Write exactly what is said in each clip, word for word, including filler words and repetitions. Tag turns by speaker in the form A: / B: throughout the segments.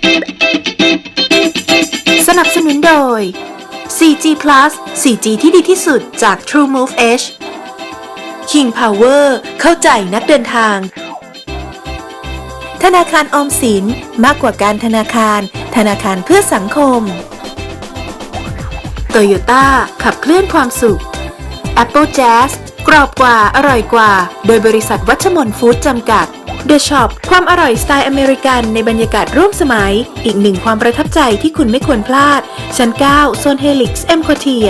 A: สนับสนุนโดย โฟร์จี พลัส โฟร์จี ที่ดีที่สุดจาก TrueMove Edge King Power เข้าใจนักเดินทางธนาคารออมสินมากกว่าการธนาคารธนาคารเพื่อสังคม Toyota ขับเคลื่อนความสุข Apple Jazz กรอบกว่าอร่อยกว่าโดยบริษัทวัชมนฟู้ดจำกัด The Shop ความอร่อยสไตล์อเมริกันในบรรยากาศร่วมสมัยอีกหนึ่งความประทับใจที่คุณไม่ควรพลาดชั้นเก้าโซนเฮลิกซ์เอ็มโคเทีย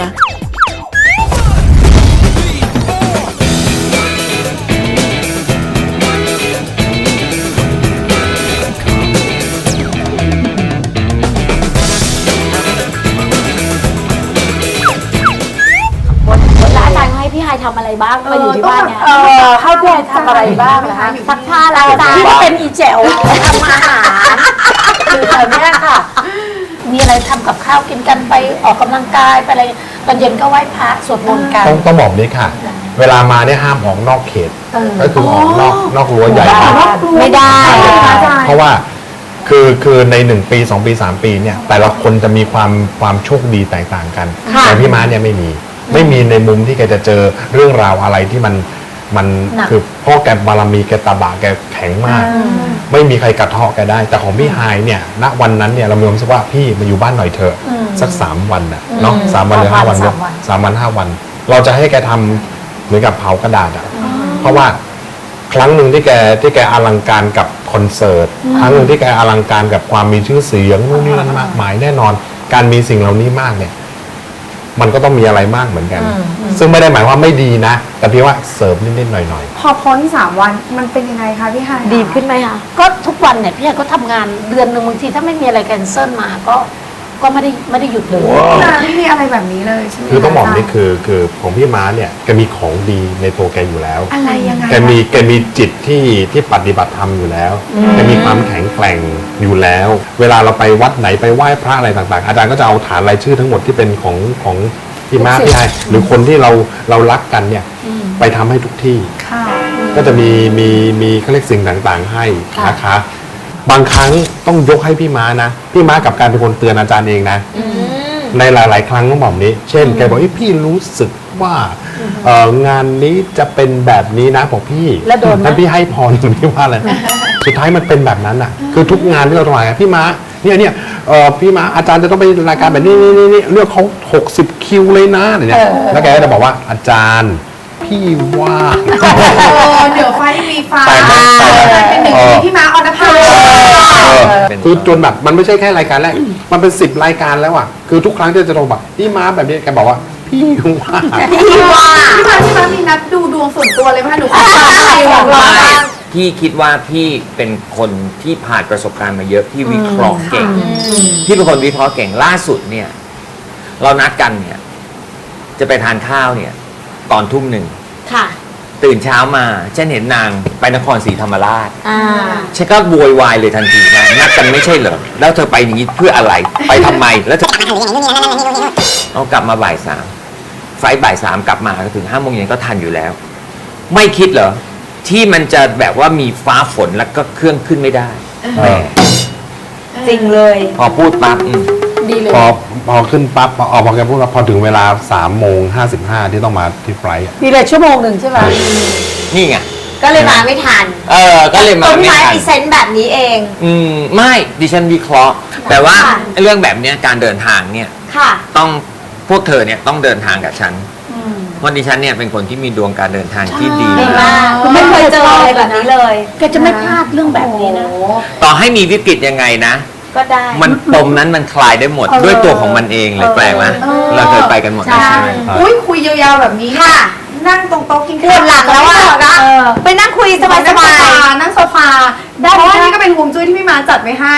B: พี่ไฮทำอะไรบ้างมาอยู่ที่บ้านเนี่ย
C: เออให้พี่ไฮทำอะไรบ้างนะคะ
B: ซักผ้าล้างจานพี่เป็นอีแจ๋วทำอาหารคือแถวเนี้ยค่ะมีอะไรทำกับข้าวกินกันไปออกกำลังกายไปอะไรตอนเย็นก็ไหว้พระสวดมนต์กัน
D: ต้องต้องบอกนี้ค่ะ เวลามาเนี่ยห้ามออกนอกเขตก็คือออกนอกนอกรั้วใหญ่
B: ไม่ได้
D: เพราะว่าคือคือในหนึ่งปีสองปีสามปีเนี่ยแต่ละคนจะมีความความโชคดีแตกต่างกันแต่พี่ม้าเนี่ยไม่มีไม่มีในมุมที่แกจะเจอเรื่องราวอะไรที่มันมันคือพ่อแกบารมีแกตาบะแกแข็งมากไม่มีใครกระเทาะแกได้แต่ของพี่ไฮเนี่ยณวันนั้นเนี่ยเรามีความรู้สึกว่าพี่มาอยู่บ้านหน่อยเถอะสักสามวันนะเนาะสามวันหรือห้าวันเนี่ยสามวันห้าวันเราจะให้แกทำเหมือนกับเผากระดาษอ่ะเพราะว่าครั้งหนึ่งที่แกที่แกอลังการกับคอนเสิร์ตครั้งหนึ่งที่แกอลังการกับความมีชื่อเสียงนู่นนี่นั่นมากมายแน่นอนการมีสิ่งเหล่านี้มากเนี่ยมันก็ต้องมีอะไรมากเหมือนกันซึ่งไม่ได้หมายว่าไม่ดีนะแต่พี่ว่าเสริมนิดๆหน่อยๆ
C: พอพ้นสามวันมันเป็นยังไงคะพี่ไฮ
B: ดีขึ้นไหมคะก็ทุกวันเนี่ยพี่ไฮก็ทำงานเดือนหนึ่งบางทีถ้าไม่มีอะไรแคนเซิลมาก็ก็ไม่ได้ไม่ได้หยุดเลย
C: ไม่มีอะไรแบบนี้เลยใช่ไหม
D: คือต้องบอกนี่คือคือของพี่ม้าเนี่ยแกมีของดีในตัวแกอยู่แล้ว
C: อะไรยังไง
D: แกมีแกมีจิตที่ที่ปฏิบัติธรรมอยู่แล้วแกมีความแข็งแกร่งอยู่แล้ว เวลาเราไปวัดไหนไปไหว้พระอะไรต่างๆอาจารย์ก็จะเอาฐานรายชื่อทั้งหมดที่เป็นของของพี่ม้าพี่ไฮหรือคนที่เราเรารักกันเนี่ยไปทำให้ทุกที่ก็จะมีมีมีเขาเรียกสิ่งต่างๆให้นะคะบางครั้งต้องยกให้พี่ม้านะพี่ม้ากับการเป็นคนเตือนอาจารย์เองนะในหลายๆครั้งต้องบอกนี้เช่นแกบอกพี่รู้สึกว่างานนี้จะเป็นแบบนี้นะบอกพี่ท่านพี่ให้พรพี่ว่าอะไรสุดท้ายมันเป็นแบบนั้นอ่ะคือทุกงานที่เราทำพี่ม้าเนี่ยเนี่ยพี่ม้าอาจารย์จะต้องไปรายการแบบนี้นี่นี่เลือกเขาหกสิบคิวเลยนะเนี่ยแล้วแกก็จะบอกว่าอาจารย์พี่ว่า
C: เดี๋ยวไฟมีฟ้าเป็นหนึ่งที่พี่ม้าออนภา
D: คือจนแบบมันไม่ใช่แค่รายการแรกมันเป็นสิบรายการแล้วอ่ะคือทุกครั้งที่จะโทรแบบพี่ม้าแบบนี้แกบอกว่าพี่ว่า
C: พี่ว่าพี่ม้าพี่ม้ามีนัดดูดวงส่วนตัวเลยไหมคะหนูขอ
E: พี่คิดว่าพี่เป็นคนที่ผ่านประสบการณ์มาเยอะพี่วิเคราะห์เก่งพี่เป็นคนวิเคราะห์เก่งล่าสุดเนี่ยเรานัดกันเนี่ยจะไปทานข้าวเนี่ยตอนทุ่มหนึ่งตื่นเช้ามาฉันเห็นนางไปนครศรีธรรมราชฉันก็โวยวายเลยทันทีนะนัดกันไม่ใช่เหรอแล้วเธอไปอย่างนี้เพื่ออะไรไปทำไมแล้วเธอเอากลับมาบ่ายสามไฟบ่ายสามกลับมาก็ถึงห้าโมงเย็นก็ทันอยู่แล้วไม่คิดเหรอที่มันจะแบบว่ามีฟ้าฝนแล้วก็เครื่องขึ้นไม่ได้แหม
B: จริงเลย
E: พอพูดปั๊บ
B: ดีเลย
D: พอพอขึ้นปั๊บพอพอแกพูดว่าพอถึงเวลาสามโมงห้าสิบห้าที่ต้องมาที่ไฟล์
B: มีเลยชั่วโมงหนึ่งใช่ไหม
E: นี่ไง
B: ก็เลยมาไม่ทัน
E: เออก็เลยมาไม่ทัน
B: มีเซนต์แบบนี้เอง
E: อืมไม่ดิฉันวิเคราะห์แต่ว่าเรื่องแบบนี้การเดินทางเนี่ยต้องพวกเธอเนี่ยต้องเดินทางกับฉันเพราะดิฉันเนี่ยเป็นคนที่มีดวงการเดินทางที่ดี
B: มากคุณไม่เคยเจออะไรแบบนี้เลยแกจะไม่พลาดเรื่องแบบนี้นะ
E: ต่อให้มีวิกฤตยังไงนะ
B: ก็ได้
E: มันปมนั้นมันคลายได้หมดด้วยตัวของมันเองเลยแปลว่าเราเคยไปกันหมดใช่ไหม
C: อุ้ยคุยยาวๆแบบนี้ค่ะนั่งตรงโต๊ะกินข้าว
B: หลังแล้วอ่ะไปนั่งคุยสบาย
C: ๆนั่งโซฟาเพราะว่านี่ก็เป็นฮวงจุ้ยที่พี่ม้าจัดไว้ให้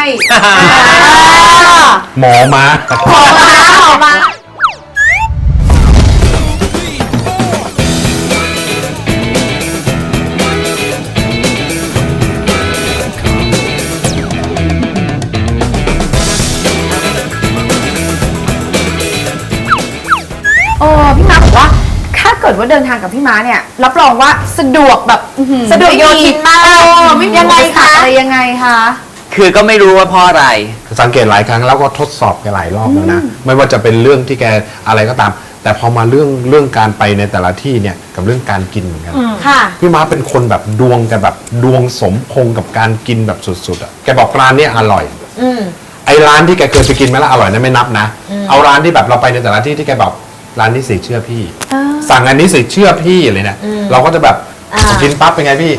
D: หมอมา
B: หมอมาหมอมา
C: โอ้พี่ม้าบอกว่าถ้าเกิดว่าเดินทางกับพี่ม้าเนี่ยรับรองว่าสะดวกแบบ
B: สะดวกโยทินมาก
C: ไม่มียังไงคะอะไรยังไงคะ
E: คือก็ไม่รู้ว่าเพราะอะไร
D: สังเกตหลายครั้งแล้วก็ทดสอบแกหลายรอบแล้วนะไม่ว่าจะเป็นเรื่องที่แกอะไรก็ตาม แต่พอมาเรื่องเรื่องการไปในแต่ละที่เนี่ยกับเรื่องการกินเหมือนกัน
C: ค่ะ
D: พี่ม้าเป็นคนแบบดวงกันแบบดวงสมพงษ์กับการกินแบบสุดๆอ่ะแกบอกร้านเนี้ยอร่อย
B: อืม
D: ไอ้ร้านที่แกเคยไปกินมาแล้วอร่อยนั้นไม่นับนะ เอาร้านที่แบบเราไปในแต่ละที่ที่แกบอกร้านนี้สิเชื่อพี่ สั่งอันนี้สิเชื่อพี่เลยเนี่ยเราก็จะแบบ
B: อ่า
D: พอกินปั๊บเป็นไงพี่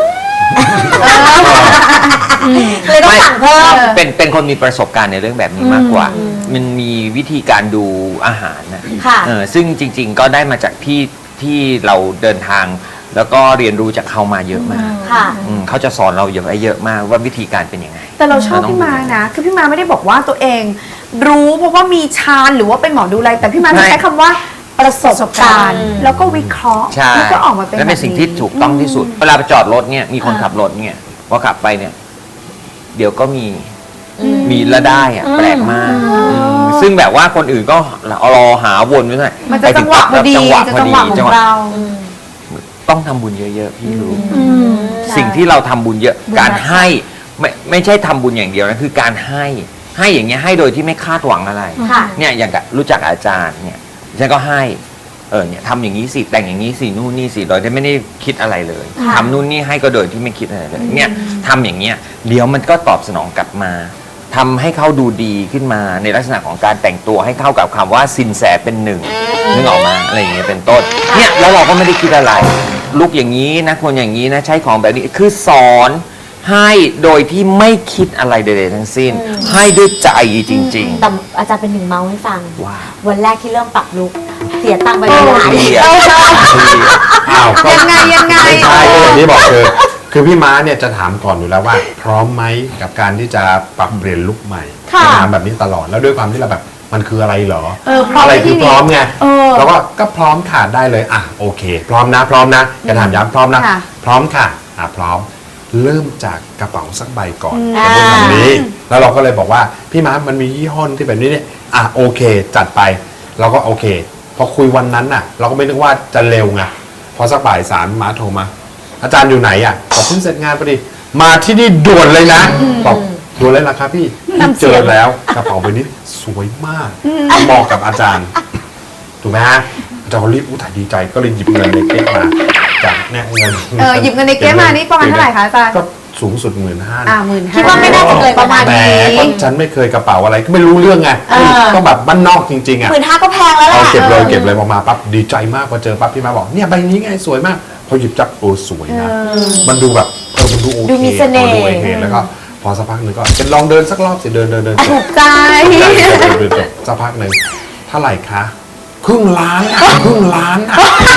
B: เลยต้องสั่งเพิ่ม
E: เป็นเป็นคนมีประสบการณ์ในเรื่องแบบนี้มากกว่า มันมีวิธีการดูอาหารนะ
B: ค่ะ
E: เออซึ่งจริง ๆ ก็ได้มาจากที่ที่เราเดินทาง แล้วก็เรียนรู้จากเขามาเยอะมาก
B: ค่ะ
E: อืมเขาจะสอนเราเยอะเยอะมากว่าวิธีการเป็นยังไง
C: แต่เราชอบ
E: ต้ง
C: พี่มา
E: ดู
C: นะ คือพี่มาไม่ได้บอกว่าตัวเอง รู้เพราะว่ามีชาญหรือว่าเป็นหมอดูอะไร แต่พี่มาจะใช้คำว่าประสบการณ์ แล้วก็วิเคราะห์
E: ใช่
C: แล้วก็ออกมาเป็น
E: และเป็นสิ่งที่ถูกต้องที่สุด เวลาไปจอดรถเนี่ยมีคนขับรถเนี่ยพอขับไปเนี่ย เดี๋ยวก็มีมีและได้อะแปลกมากมซึ่งแบบว่าคนอื่นก็รอหาวนไว้หน่อย
C: มันจะจังหวะพอดี
E: จังหวะ
C: จะ
E: พอ
C: จัง
E: ดี
C: หวะข
E: จั
C: องง
E: หวะ
C: เรา
E: ต้องทำบุญเยอะๆพี่รู้
C: อืม
E: สิ่งที่เราทำบุญเยอะการให้ไม่ไม่ใช่ทำบุญอย่างเดียวนะคือการให้ให้อย่างเงี้ยให้โดยที่ไม่คาดหวังอะไร
B: ค่ะ
E: เนี่ยอย่างกับรู้จักอาจารย์เนี่ยฉันก็ให้เออเนี่ยทำอย่างนี้สิแต่งอย่างนี้สินู่นนี่สิโดยที่ไม่ได้คิดอะไรเลย
B: ค่ะ
E: ทำนู่นนี่ให้ก็โดยที่ไม่คิดอะไรเลยเนี่ยทำอย่างเงี้ยเดี๋ยวมันก็ตอบสนองกลับมาทำให้เขาดูดีขึ้นมาในลักษณะของการแต่งตัวให้เข้ากับคำว่าสินแสเป็นหนึ่งนึกออกมาอะไรอย่างเงี้ยเป็นต้นเนี่ยแล้วเราก็ไม่ได้คิดอะไรลุกอย่างนี้นะคนอย่างนี้นะใช้ของแบบนี้คือสอนให้โดยที่ไม่คิดอะไรใดๆทั้งสิ้น ให้ด้วยใจจริง
B: แต่อาจารย์เป็นหนึ่งเมาส์ให้ฟัง
E: ๆว้าว
B: วันแรกที่เริ่มปรับลุกเสียตังค์ไปเป็นล้าน
E: เคลียร์
B: เออ
D: อ้าวก็
C: ยังไงยังไง
D: ไม่ใช่ก็อย่างที่บอกคือคือพี่ม้าเนี่ยจะถามก่อนอยู่แล้วว่า พร้อมไหมกับการที่จะปรับเปลี่ยนลุคใหม่
C: ค่ะ
D: จะถามแบบนี้ตลอดแล้วด้วยความที่เราแบบมันคืออะไรเหรอ
C: เออพร้อม
D: อะไร
C: ในที่
D: คือพร้อมไง
C: เออ
D: เราก็ก็พร้อมค่ะได้เลยอ่ะโอเค พร้อมนะพร้อมนะจะถามย้ำพร้อมนะ
C: ค่ะ
D: พร้อมค่ะอ่ะพร้อม เริ่มจากกระเป๋าสักใบก่อน
B: อ่า
D: จะพูดคำนี้ แล้วเราก็เลยบอกว่าพี่ม้ามันมียี่ห้อที่แบบนี้เนี่ยอ่ะโอเค จัดไปเราก็โอเค พอคุยวันนั้นน่ะ เราก็ไม่นึกว่าจะเร็วไงพอสักบ่ายสามม้าโทรมา อาจารย์อยู่ไหนอ่ะบอกเพิ่งเสร็จงานพอดีมาที่นี่ด่วนเลยนะบอกด่วนเลยล่ะครับพี่พี่เจอแล้วกระเป๋าใบนี้สวยมากเหมาะกับอาจารย์ ถูกไหมฮะอาจารย์ก็รีบอู้ถ่ายดีใจก็เลยหยิบเงินในเก๊กมาจากเนี่ยเงิน
C: เออหยิบเงินในเก๊กมานี่ประมาณเท่าไหร่คะอาจารย์
D: ก็สูงสุดหมื่นห้า
C: อ่าหมื่นห้า
B: คิดว่าไม่น่าจะเกินประมาณ
D: แต่
B: นี้
D: ก็ฉันไม่เคยกระเป๋าอะไรก็ไม่รู้เรื่องไง
B: เออ
D: ต้องแบบบ้านนอกจริงๆอ่ะ
B: หมื่นห้าก็แพงแล้วแห
D: เอา
B: ละ
D: เก็บเลย
B: ออ
D: เก็บเลยพอมาปั๊บดีใจมากพอเจอปั๊บพี่มาบอกเนี่ยใบนี้ไงสวยมากพอหยิบจับโอ้สวยนะมันดูแบบเออมันดูโอเค
B: ดูมีเสน่ห์
D: พอดูโอเคแล้วก็พอสักพักหนึ่งก็เป็นลองเดินสักรอบสิเดินเดินเดินจ
C: ถู
D: บ
C: กใจ
D: เดินเดินเดินจบสักพักหนึ่งเท่าไหร่คะครึ่งล้านอะครึ่งล้านอะ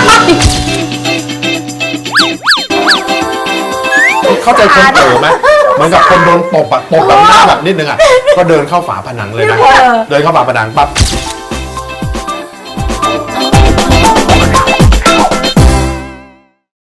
D: เข้าใจคนโตไหมเหมือนกับคนโดนตบอะตบแบบหน้าแบบนิดนึงอะก็เดินเข้าฝาผนังเลยนะเดินเข้าฝาผนังปั๊บ